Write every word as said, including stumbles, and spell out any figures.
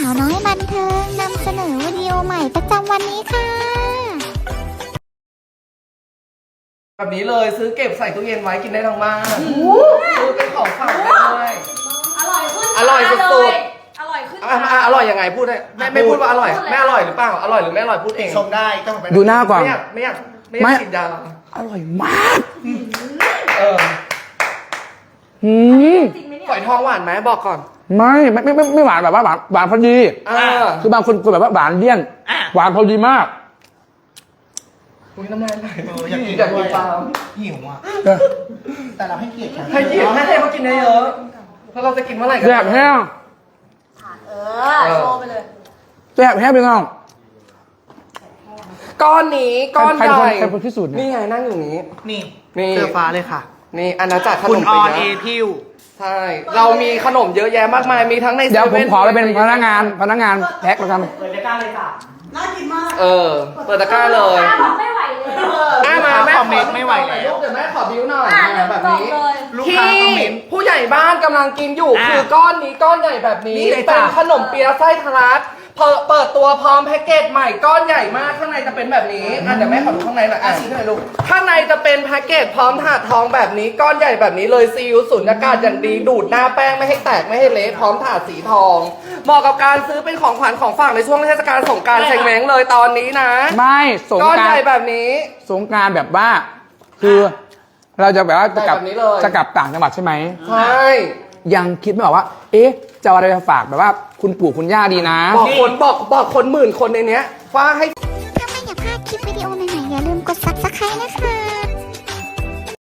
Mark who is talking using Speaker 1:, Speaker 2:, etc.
Speaker 1: าวน้อยบันเทิงนำเสนอวิดีโอใหม่ประจำวันนี้ค่ะ
Speaker 2: แบบนี้เลยซื้อเก็บใส่ตู้เย็นไว้กินได้ทั้งบ้านซื้อเป็นของฝากได้ด้วย
Speaker 3: อร่อยขึ้น
Speaker 2: อร่อยสุด
Speaker 3: ๆอร่อยขึ้น
Speaker 2: อร่อยยังไงพูดได้ไม่ไม่พูดว่าอร่อยไม่อร่อยหรือเปล่าอร่อยหรือไม่อร่อยพูดเอง
Speaker 4: ชมได้ต้องไป
Speaker 5: ดูหน้าก่อน
Speaker 2: ไม่อยากไม่อยากไม่อยากกินยา
Speaker 5: อร่อยมาก
Speaker 2: เออ
Speaker 5: หืม
Speaker 2: ฝอยทองหวานไหมบอกก่อน
Speaker 5: ไม่ไม่ไม่ไม่ไม่หวานแบบว่าหวานหวานพอดีคือบางคนคนแบบว่าหวานเลี่ยนหวานพอดีมาก
Speaker 2: อุ้ยน้ำลายไหล
Speaker 4: อยากกิน
Speaker 2: อยากกินปลา
Speaker 4: หิวอ่ะแต่เราให้เกียรติ
Speaker 2: ให้เกียรติให้เขากินได้เยอะเพราะเราจะกินเมื่อไหร่กัน
Speaker 5: แซ่บแห้ง
Speaker 3: เออโชว์ไปเลย
Speaker 5: แซ่บแห้งไปน้อง
Speaker 2: ก้อนนี้ก้อนใหญ่
Speaker 5: ใครคนพิสูจน์
Speaker 2: นี่ไงนั่งอยู่นี้
Speaker 4: นี่
Speaker 2: นี่
Speaker 4: เสื้อฟ้าเลยค่ะ
Speaker 2: นี่อาณาจักรขนม
Speaker 4: คุณออนเอ
Speaker 2: พิ
Speaker 4: พิว
Speaker 2: ใช่เรามีขนมเยอะแยะมากมายมีทั้งใน
Speaker 5: เดี๋ยวผมขอไปเป็นพนักงานพนักงานแพ็คแล้วกัน
Speaker 4: เปิดตะกร้าเลยจ้ะน่ากินมาก
Speaker 2: เออเปิดตะกร้าเลย
Speaker 3: ไม่ไหวเลย
Speaker 2: แม่มาแม่
Speaker 4: คอมเมนต์ไม่ไหวแล้ว
Speaker 2: เดี๋ยวแม่ขอบิ้วหน่อยแบบนี้
Speaker 4: ลูกค้าคอมเมนต์
Speaker 2: ผู้ใหญ่บ้านกำลังกินอยู่คือก้อนนี้ก้อนใหญ่แบบนี้เป็นขนมเปี๊ยะไส้ทะลักเปิดตัวพร้อมแพ็กเกจใหม่ก้อนใหญ่มากข้างในจะเป็นแบบนี้อ่ะเดี๋ยวแม่ขอดูข้างในหน่อยอ่ะชี้ข้างในลูกข้างในจะเป็นแพ็กเกจพร้อมถาดทองแบบนี้ก้อนใหญ่แบบนี้เลยซีอิ๊วสุญญากาศอย่างดีดูดหน้าแป้งไม่ให้แตกไม่ให้เละพร้อมถาดสีทองเหมาะกับการซื้อเป็นของขวัญของฝากในช่วงเทศกาลสงกรานต์เชงเม้งเลยตอนนี้นะ
Speaker 5: ไม่สงกรานต์
Speaker 2: ก้อนใหญ่แบบนี้
Speaker 5: สงกรานต์แบบว่าคือเราจะแบบว่าจะกลับจะกลับต่างจังหวัดใช่ไหม
Speaker 2: ใช่
Speaker 5: ยังคิดไม่ออกว่าเอ๊ะจะเอาอะไรไปฝากแบบว่าคุณปู่คุณย่าดีนะ
Speaker 2: บอกคนบอกบอกคนหมื่นคนในเนี้ยว่าให้
Speaker 1: ถ้าไม่อยากพลาดคลิปวิดีโอใหม่ๆอย่าลืมกดซับสไครต์นะคะ